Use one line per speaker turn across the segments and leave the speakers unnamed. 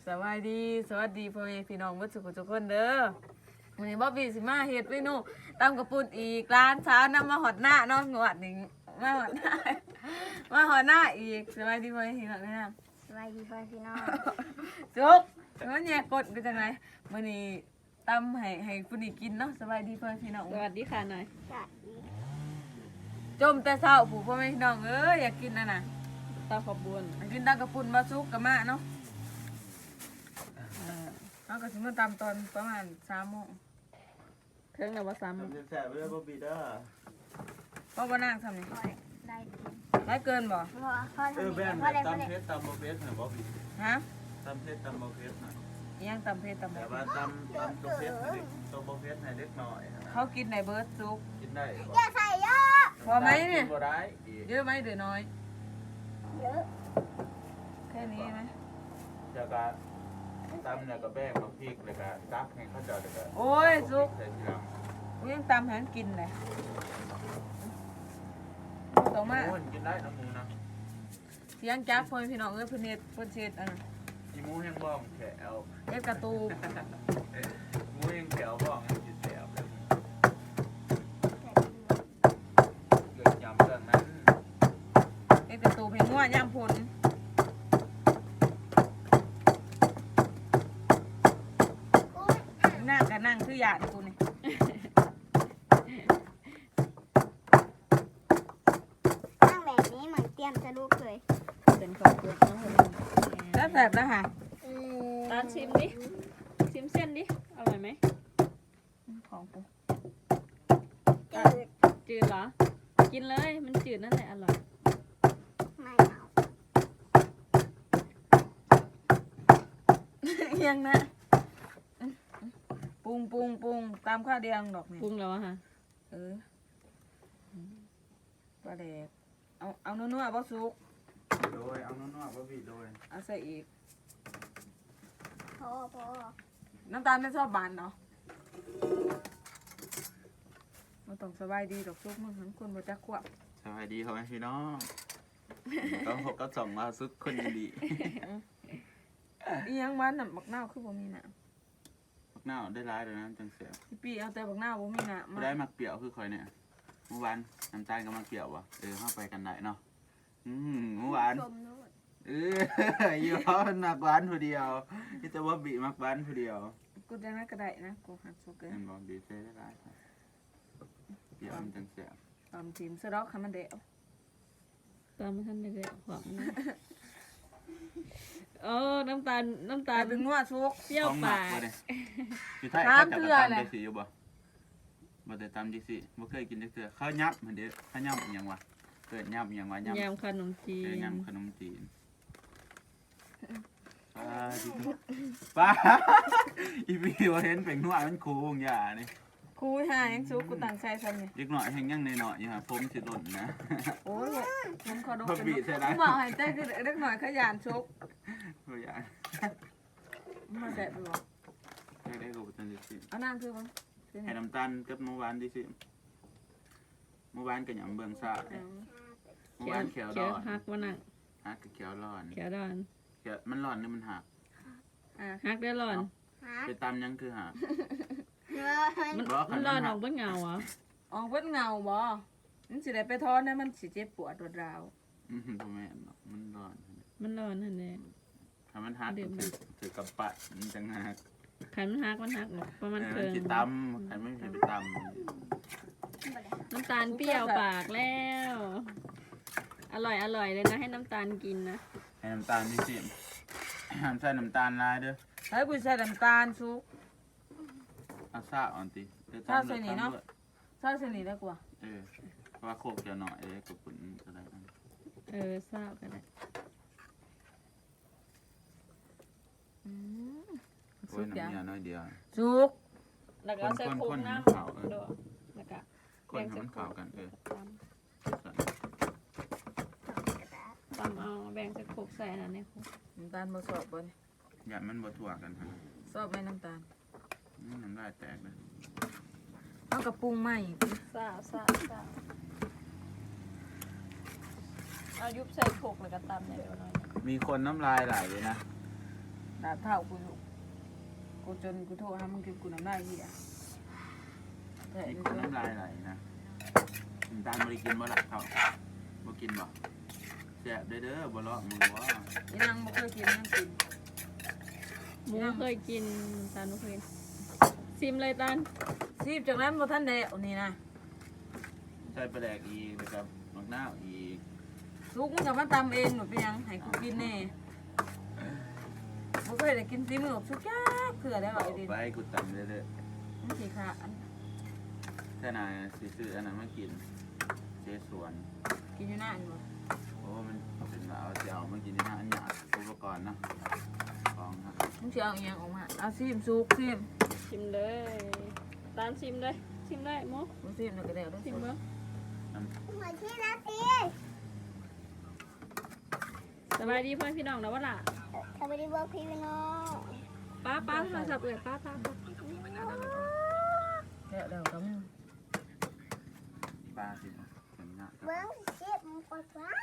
สวัสดีพ่อแม่พี่น้องทุกคนเด้อวันนี้บ๊อบบี้สิมาเฮ็ดเมนูตำกระปุ่นอีกร้านเช้านำมาหอดหน้าเนาะงวดนี้มาหอดหน้าอีกสวัสดีพ่อแม่พี่น้องนะ
สวัสดีพ่อพี่น้อง
จุกแล้วเนี่ยกดไปจังไงวันนี้ตำให้คุณอีกินเนาะสวัสดีพ่อแม่พี่น้อง
สวัสดีค่ะหน่อย
สวัสดี
จมแต่เช้าผู้พ่อแม่พี่น้องเอ้ยอยากกินน่ะ
ตาขอบบุญ
อยากกินตำกระปุ่นมาซุกกับมาเนาะเอาก็สิมาตำตอนประมาณ3 โมง
เครื่องนวซ้
ทำแสบๆไปเลยบ๊อบบี้เด้อ
พ่อบ่นั่งทำนี่
พ่อได้กิน
ได้เกินบ่
พ่อทำ
แบ
ดี
น
พ่อได้พ่อ
ตำ
ได้
เพชรตำโบเพชรหน่อยบ๊อบบี้
ฮะ
ตำเพชรตำโบเพชรหน่อย
อิหยังตำเพชรตำ
แต่
เพชร
ว่าตำตัวเพชรให้เด็กตัวโบเพชรให้เล็กหน่อยนะ
เขากินในเบิร์ดซุป
กินได้บ่
อย่าใส่เยอะ
พอไหมเนี่ย
กิบ่ได้อีก
เยอะไหมหรือน้อย
เยอะ
แค่นี้ไหม
จากการตำเนี่ยก็แบ่งมาพริกเลยก็ตักให้เขาเจาะเลยก็
โอ้ยซุป
ใส่ทีหลัง
กูยังตำให้มันกินเลยต่อมา
โอ้ยกินได้นะหมูนะ
เสียงจักพ่อพี่น้องเอ้ยเพิ่นเฮ็ดเพิ่นเช็ด
อีหมูแห้งบ้องแขว
เฮ็ดกระตูบ
หมูแห้งแขวบ้องกินแสบเลยเกิดยำเรื่องนั้น
เฮ็ดกระตูบให้งัวย่ำพลนั่งก็นั่งคือหยาดกูนี่
นั่งแบบนี้เหมือนเตรียมจะลูกเลย
ำเป็นขอบบุญน้องคน
แล้วแสบแล้วค่ะ
ตาชิมดิ ชิมเส้นดิ อร่อยไหม
ของกู
จืด
จืดเหรอ กินเลย มันจืดนั่นแหละอร่อย
ไม่เอา
ยังนะปรุงตามข้าวเดียงดอกนี่
ปรุงแล้วอะค่ะ
เออปลาแดกเอานัวๆบ่สุก
โดยเอาน้อยๆบ๊อบบี้โดย
เอาใส่อีก
พ่อ
น้ำตาลไม่ชอบบานเนาะมาต้องสบายดีดอกซุกมึงทั้งคนบ่จักขวบ
สวัสดีพ่อแม่พี่น้องก็หกก็ส่งมาซุกคนดี
อีหยังมันน่ะบักนาวคือบ่มีน้
มักหน้าได้ร้ายเลยนะจังเสีย
ำพี่ปีเอาแต่บักนาวบ่มีน้ำ
ไม่ได้มักเปรี้ยวคือคอยเนี่ยเมื่อวานน้ำตาลก็มักเปรี้ยววะเข้าไปกันได้เนาะเมื่อวาน
ชมนู่น
อยู่เขามักหวานผู้เดียวที่จะว่าบีมักหวานผู้เดียว
กูจังนั้นก็ได้นะกูหักซุกเกิน
เห็นบอกบีเซ่ได้ร้ายเปรี้ยวมันจังเสีย
ตอนทีมสะดอกให้มันเดะ
ตามมาท่านเลยหอมนะโอ้น้ำตาล
ตายเป็นงัวซุก
เปรี้ยว
ของหมั
ปาก ก
วะเนี่ยอยู่ไทยเขาจับตำดีสีอยู่บ่บ่ได้ตำดีสีบ่เคยกินจักเทื่อข้าวยับมันเด้อข้าวยับอหยังวะเกิดยับอหยังวะยับ
ยำขนมจี
ยำ
น
ขนมจีนป้าอีพีว่าเห็นเป็นหัวมันคูงอย่านี่
คูหายังซุกกูตั้งใจซ้ำนี่
เล็กหน่อยแห้งยังในหน่อยอยู่ฮะผมสิหล่นนะ
โอ้ยผมขอดก
บ่บีใช่ไหม
กูบอกให้ใจคือเล็กหน่อยขยันซุก
บ่อยาก
มาแสบดู
ได้ก็บ่ทันได้สิ
เอานั่งคือมั้ง
ให้น้ำตาลกับเมื่อวานดิสิเมื่อวานก็หยังเบิ่งซ่าเมื่อวานเขียว
เขี
ร้
ยว
อน
ฮักวะน่ะ
ฮักกับเขียวร้อน
เขียวร้อน
เขียวมันร้อนหรือมันหัก
ฮักได้ร้อน
ฮะ
ไปตำยังคือหัก
มัน
บอกคั
มัน น
มัน
ร้อน
หั
อก อกเบิ้งเงาเหรอ
ออกเพิ่นเงาบ่มันสิได้ไปทอนนะมันสิเจ็บปวดรวดราว
บ่แม่นหรอกมันร้อน
มันร้อนนั่นแหละ
ถ้ามันหักก็ถือกำปั้นมันจังหัก
ขันมันฮักมันฮักประมาณ
มั
เคิง
สิตำใครไม่สิไปตำ
น้ำตาลเปรี้ยวปากแล้ว อร่อยเลยนะให้น้ำตาลกินนะ
ให้น้ำตาลดิสิห้ามใส่น้ำตาลลายเด้อ
ให้กูใส่น้ำตาลซุก
เอาซ่าอ่อนติเดี๋ยว
ซ่าใส่นี่เนาะ ใส่เสนิทได้กว่า
เพราะว่าโคกจะหน่อยกับปุ่นก็ได้นะ
ทราบกันได้
โอ้ยน้ำเนียน้อยเดียว
ซุก
แล้วก็ใส่โคกน้ำ
คน
แล้วก็
คนให้มันเข้ากัน
ตำเอาแบ่งใส่โคกใส่อันนั้นในโคก
น้ำตาลบ่สอบบ่นี่
อย่ามันบ่ทั่วกันฮะ
สอบไหมน้ำตาล
น้ำลายแตกเลย
เอากระปรุงใหม่
ซาเอายุบใส่โคกแล้วก็ตำเนี่ยเดี๋ยวหน่อย
มีคนน้ำลายไหลเลยนะ
ดาบเท่ากูอยู่กูจนกูโทรหามึงกินกูน้ำลายเหี้ยแต่
นี่
กู
คนน้ำลายไหลนะน้ำตาลบ่ได้กินบ่ล่ะเขาบ่กินบ่แซ่บเด้อบ่เลาะมือว่า
อีนางบ่เคยกินนั่งกิน
หมูเคยกินตาลบ่เคยกินซิมเลยตาล
ซีบจากนั้นบ่ทันได้เอานี่นะ
ใส่ปลาแดกอีกแล้วก็มะนาวอีก
สุกมึงก็มาตำเองหนูเป็นหยังให้กูกินแน่บ่เคยได้กินซีมือสุกยากเผื่อได้ว่าไอ้ดิน
ไปกูตำเรื่อย
มันสิค่ะอัน
ๆแค่นายสิซื้ออันนั้นมากินเจสวน
กินอยู่หน้าอันบ่
โอ้มันเป็นว่าเอาสิเอามากินในหน้าอันหยาดอุปกรณ์เนาะของนะ
มึงสิเอาอีหยังออกมาเอาซีมสุกซีม
ชิมเลยตาลชิมเลยชิมได้หมู
บ่ซีมแล้วก็ได้แล้ว
ชิมเบิ่ง
เหมือนที่นาตี
สบายดีเพื่อนพี่น้องนะว่าล่ะ
ทำไมได้บอกพี่น้อง
ป้าโทรศัพท์เอ่ยป้า
แล้วก็มึง
ปลาสิเห็นหน้า
เบิ้งเจ็บมันปวดฟ้า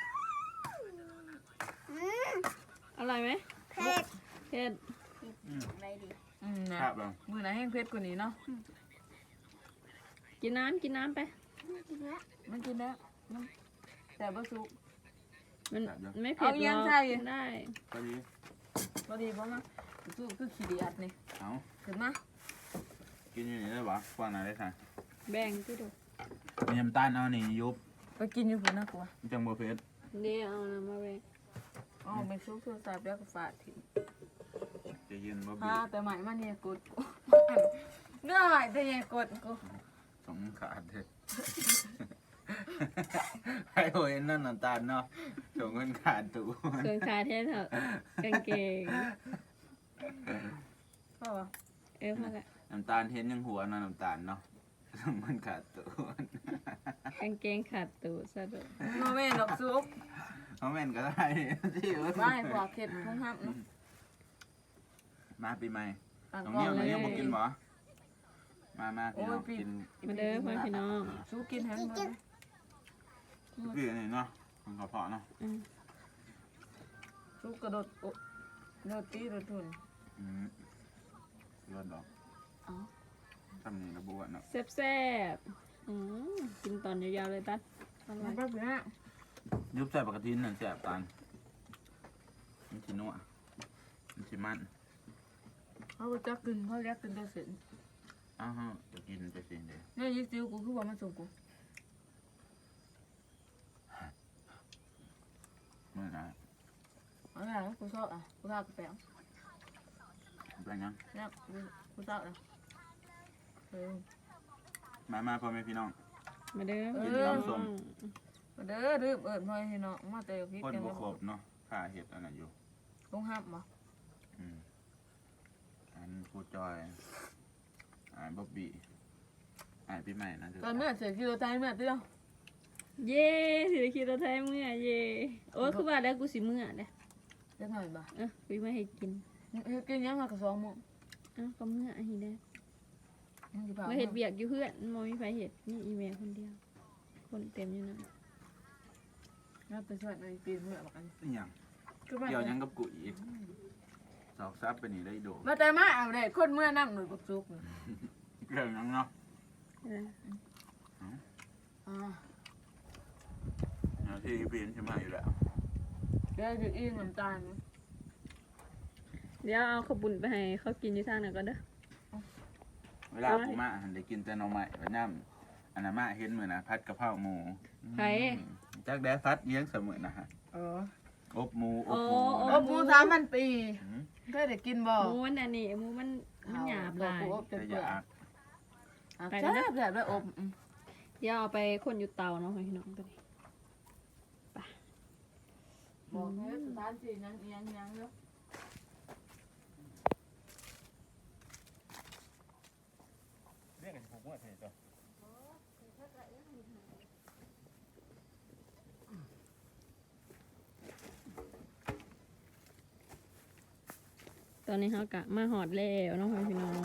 อร่อยไหม
เผ็ด
เผ็ด
อะไรดี
นะครับ
ลอง
มื้อไหนแห้งเผ็ดกว่านี้เนาะ
กินน้ำไป
กินแล้ว
มันกินแล้วมันแต่บ่สุก
มันไม่เผ็ด
เอา
หร
ยั
อง ก
ใส่
ได้
ก็ดี
บ่ดีบ่มาสุกคือขี้เดียดนี่
เอา
ขึ้นมา
กินอยู่นี่ได้ปะฟังหน่อยได้ค่ะ
แบ่งที่ดู
มีน้ำตาลเอานี่ยุบ
ไปกินอยู่พุ่นนะกูว่า
จังบ่เผ็ด
เดี๋ยวเอาน้ำมาแบ่ง
อ๋อไปซุกโทรศัพท์แล้วก็ฝาดทิ้ง
จะยืนบ่
พา
บี
แต่ใหม่มาเนี่ยกดกูเนื้อหายแต่เนี่ยกดกู
สงขาดเถอะ ให้โอ้ยนั่นน้ำตาลเนาะสงเงินขาดตู้
เครื่องคาเทสเถอะกางเกง
พ่อวะ
พอละ
น้ำตาลเห็นยังหัวเนาะน้ำตาลเนาะสงเงินขาดตู้
กางเกงขาดตูดซะด้วย
มาแม่ดอกซุป
เอาแม่นก็ได้ที่อื่น
ไม่พอเข็ดทุ่งห้ามนะ
มาปีใหม่
ต่าง
น้อง
กอ
เนี่
ง
ย
เล
น้อง
ย
เนี่ยบ่กินบ่มาพี่น้องกิน
มาเด้อเพื่อนพี่น้อง
ซุปกินแฮมเบอร์
พี่นี่เนาะมันกระเพาะเนาะ
ซุปกระโดดโดดตีโดดทุน
เลือดดอก
อ๋อ
ทำนี่ระบุอ่ะเนาะ
แซ่บกินตอนยาวๆเลยตัดอร่
มั
อน ย
ก็เป็นอ่ะ
ยุบใส่ปกตินั่นแซ่บตาลมันสินัวมันสิมัน
เขาจะกินเขาเรียกกินได้เสร็จ
อ้าวฮะจะกินไปสิเด้
เนี่ยยิ่งซิวกูคือว่ามันส่งกู
เมื่อไหร่
เอาอย่างนั้นกูชอบอ่ะกูชอบกาแฟ
เป็นยัง
เนี่ยกูชอบอ่ะ
มาพ่อแม่พี่น้อง
มาเด้อ
กินน้ำส้ม
มาเด้อรีบเอิญพ่อให้น้องมาเตะพริก
คน
กัน
บ่
แล้ว
ครบเนาะข้าเห็ดอันนั้นอยู่
ต้องห้ามบ่
อันผู้จอยบ๊อบบี้ปีใหม่นะ
ตอนเมื่อเสียกิโลใจเมื่อเตี้ยว
เย่ถือคิดตัวไทยเมื่อเย่โอ้ยคือว่าแล้วกูสิเมื่อเด้
เล็กหน่อยบ่
กูไม่ให้กิน
กินยังมากระสองโมง
ก็เมื่อฮีเด้
มึงจะพา
มาเห็ดเบียกอยู่เพื่อนมอมีไฟเห็ดนี่อีเมลคนเดียว คนเต็มอยู่นะ
เราไปช่วยในปีนเมื่อบอกกัน
เป็นหยัง
คือว่า
เกี่ยวหยังกับกูอีกสอกซับไปนี่ได้โด
มาแต่มาเอาได้คนเมื่อนั่งหนุ่ยบุกซุก
เกี่ยวหยังเนาะ ที่เพียนใช่ไหมอยู่แล้ว
เดี๋ยวจะอิ่มน้ำตาล
เดี๋ยวเอาขบุญไปให้เขากินอยู่ทางไหนก็เด้อ
เวลาผมมาได้กินแต่หน่อไม้แบบน้ำอันนั้นมาเห็นเหมือนนะพัดกะเพราหมูจักแด้ฟัดเลี้ยงเสมอนะฮะ
เออ
อบหมู
อบหมู3,000 ปีเคยได้กินบ่
หมูมันอันนี้หมูมันหยาบหลาย
อบจน
แต่
เปื่
อ
อย
าก
แซ่บแบบด้วยอบ
เดี๋ยวเอาไปคนอยู่เตาเนาะพี่น้องตัวนี้
บอกให้สถานที่ยังยังเนาะ
เรียกกันผมว่าเถอะจ้ะ
ตอนนี้เขากะมาหอดแล้วเนาะพี่น้อง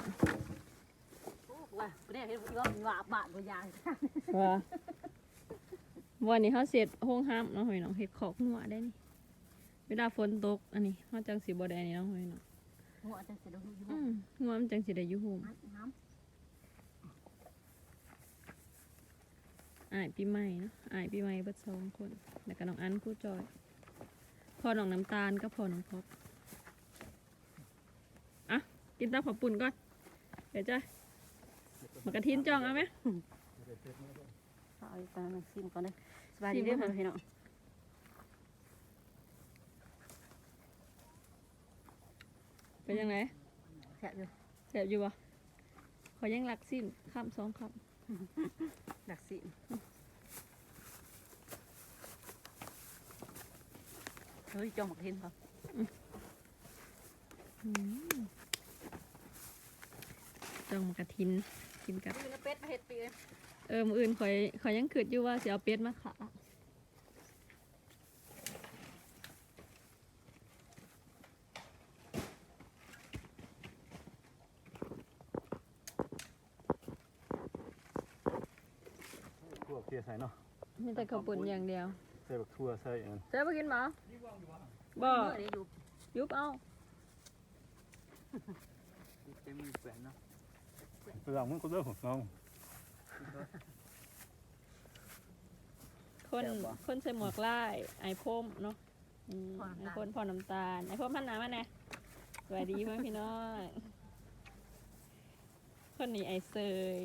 ว่าเนี่ยเห็นว่าบาทบ่ยาง
ว่าวันนี้เขาเสร็จห้องห้ามเนาะพี่น้องเห็ดขอกหัวได้นี่เวลาฝนตกอันนี้เฮาจังสิบ่ได้อันนี้เนาะเฮ้ยเนาะ
หัวจังสิได้อยู่
งัวมันจังสิได้อยู่โฮม
น้
อ้ายปีใหม่เนาะอ้ายปีใหม่เบิด2คนแล้วก็น้องอันผู้จอยพ่อน้องน้ำตาลกับพ่อน้องพบอ่ะกินตามขอปุ่นก่อนเดี๋ยวจ้ะมากระทินจองเอาไหม
เอาอีกตามาซิมก่อนเลยสบายดีเด้อพี่น้อง
เป็นยังไง
แซ่บอยู่
แสบอยู่บ่ขอยังหลักสิ้นคำ2ค
ดักสิเฮ้ยจองหมกเห็นเขา
จองมากระทินกินกับ
มีเป็ดมาเห็ดปีเลย
มื้ออื่นขอยยังคิดอยู่ว่าสิเอาเป็ดมาขา
ทั่วเคี่ยใส่เนาะ
มีแต่ข้าวปุ่นอย่างเดียว
ใส่บักทั่วใส่อัน
เจ๊ไปกินบ่บ่
เมื่อนี้อยู่
ยุบเอา
เต็มมือแฝนเนาะเรื่องมันก็เรื่องของน้อง
คนใส่หมวกลายไอพ่มเนาะไอพ่นพอน้ำตาลไอพ่มพันน้ำมาแน่สวัสดีเพื่อนพี่น้องคนนี้ไอเซย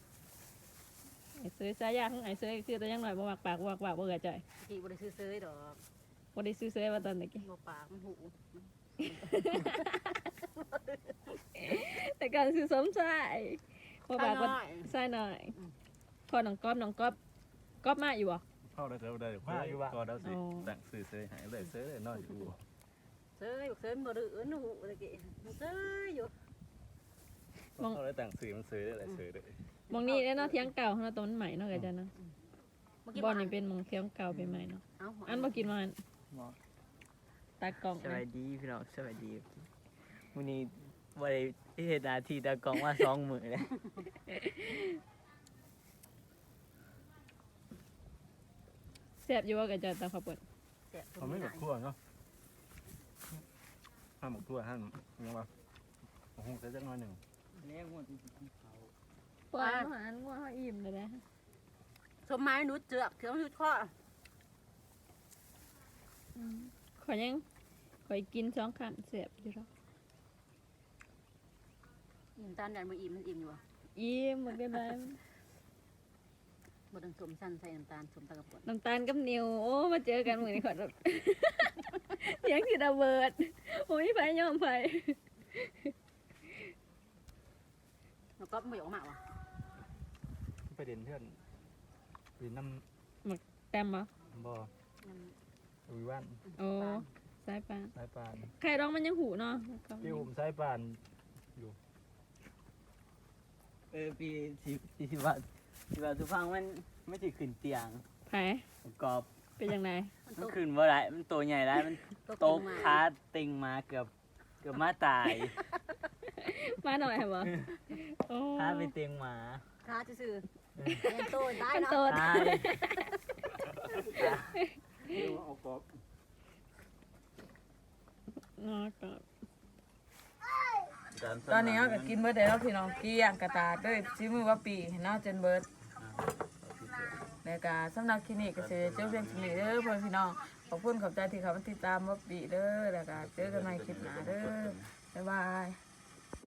สายยาของไอเซยคือแต่ยังหน่อยบ่มักปากบ่มักปากบ่เอือใจ
กี่บริซื้อเซยดอก
บ่ได้ซื้อเซยมาตอนตะกี้
บ่ปากมันหู
แต่การซื้อสมชายบ่ปากบ่ใส่หน่อยพอน้องก๊อบมาอยู่บ่
เข้าได้แล้วได้มาอยู่ว่าก็ได้สิแต่งสื่อเสยหายเลยเสยเลยน้อยอยู่
เซยบอกเซยบ่ดื้อหนูตะกี้เซยอยู่
เข้าได้แต่งสื่อมันเสยได้หลายเสยเลย
มองนี่เนาะเที่ยงเก่าเนาะตอนใหม่เนาะก็จะเนาะบ่นี่เป็นหมองเที่ยงเก่าไปใหม่เนาะอันบ่กินมันตากล่อง
สวัสดีพี่น้องสวัสดีวันนี้วันเหตุนาทีตากล้องว่า2 มื้อเลย
แซ่บอยู่ว่าก็จะตามข้าวปุ้น
เขาไม่บักทั่วเนาะห้ามบักทั่วห้ามยังว่าคงใส่จักน้อยหนึ่ง
แล้วมัน
ปล่อยอาหารงัวเฮาอิ่มเลยนะ
สมไม้หนูเจือกเขียวชุดข้อ
ขอยกิน2คำแซ่บอยู่แล้ว
อิ่มตานยันบ่อิ่มมันอิ่มอยู่อ่ะ
อิ่มบ่ได้
บ่ต้องสมสั้นใส่น้ำตาลสมตะกับป่น
น้ำตาลกับนิวโอ้มาเจอกันมื้อนี้ขอรับเสียงสิระเบิดโอ้ยไผยอมไผ
แล้วก็ไม่ออกมาว่ะ
ไปเด่นเพื่อนเด่นน้
แต้มบ่
ำบ่วิวัน
โอ้สายปาน
สายปาน
ไข่ดองมันยังหูเนาะ
พี่หุ่มสายปาน
ปีสิว่าสุฟังมันไม่สิขึ้นเตียง
ไผ
กรอบ
เป็นจังได
มันขึ้นบ่ได้มันตัวใหญ่ได้มันตกขาติงมาเกือบมาตาย
มาหน่อยบ่โอ้
ขาไปเตียงหมา
ค้าซื่อๆยังโตได้
เป็น
เนาะ
โต
ตาย
เอากรอบ
เนาะก็
ตอนนี้เราก็กินเบิดได้แล้วพี่น้องเกลี้ยงกระตาด้วยชิมือว่าปีเนาะจนเบิดแล้วก็สำหรับคลินิกก็สิเจอเพียงคลินิกเด้อเพื่อนพี่น้องขอบคุณขอบใจที่เขามาติดตามว่าปีเด้อแล้วก็เจอกันใหม่คลิปหน้าเด้อบ๊ายบาย